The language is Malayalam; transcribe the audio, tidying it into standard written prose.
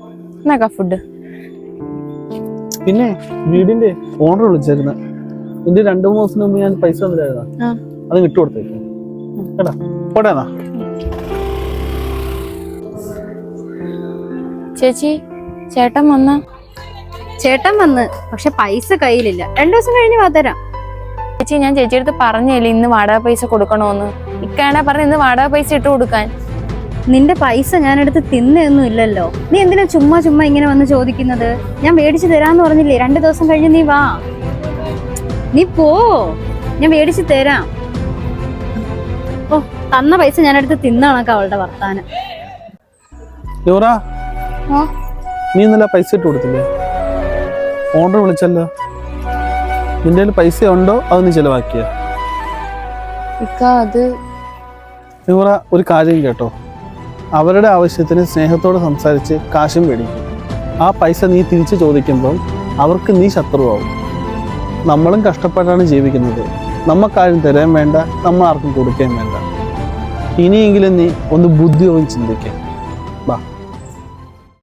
എന്നാ ഫുഡ്. പിന്നെ വീടിന്റെ ഓണർ വിളിച്ചായിരുന്നു. എന്റെ 2-3 ദിവസത്തിന് മുമ്പ് ഞാൻ പൈസ തന്നില്ലായിരുന്ന, അത് വിട്ടുകൊടുത്തേക്കും കേട്ടാ. പോടേന്നാ ചേച്ചി, ചേട്ടൻ വന്ന? ചേട്ടൻ വന്ന്, പക്ഷെ പൈസ കയ്യിലില്ല. 2 ദിവസം കഴിഞ്ഞ് വാതരാം. ചേച്ചി, ഞാൻ ചേച്ചിയെടുത്ത് പറഞ്ഞില്ലേ ഇന്ന് വാടക പൈസ കൊടുക്കണോന്ന്. ഇക്കാണെ പറഞ്ഞ ഇന്ന് വാടക പൈസ ഇട്ട് കൊടുക്കാൻ. നിന്റെ പൈസ ഞാനെടുത്ത് തിന്നൊന്നും ഇല്ലല്ലോ. നീ എന്തിനാ ചുമ്മാ ഇങ്ങനെ വന്ന് ചോദിക്കുന്നത്? ഞാൻ മേടിച്ചു തരാന്ന് പറഞ്ഞില്ലേ? 2 ദിവസം കഴിഞ്ഞ് നീ വാ. നീ പോ, ഞാൻ മേടിച്ചു തരാം. ഓ, തന്ന പൈസ ഞാനെടുത്ത് തിന്നണക്ക അവളുടെ വർത്താനം. നീ ഇന്നലെ പൈസ ഇട്ട് കൊടുത്തില്ലേ? ഓർഡർ വിളിച്ചല്ലോ. നിന്റെ കയ്യിൽ പൈസ ഉണ്ടോ അത് നീ ചെലവാക്കിയ? ഒരു കാര്യം കേട്ടോ, അവരുടെ ആവശ്യത്തിന് സ്നേഹത്തോടെ സംസാരിച്ച് കാശും മേടിക്കും. ആ പൈസ നീ തിരിച്ചു ചോദിക്കുമ്പോൾ അവർക്ക് നീ ശത്രുവാകും. നമ്മളും കഷ്ടപ്പെട്ടാണ് ജീവിക്കുന്നത്. നമുക്കാരും തരാൻ വേണ്ട, നമ്മൾ ആർക്കും കൊടുക്കാൻ വേണ്ട. ഇനിയെങ്കിലും നീ ഒന്ന് ബുദ്ധിയോളം ചിന്തിക്കാം. ബാ.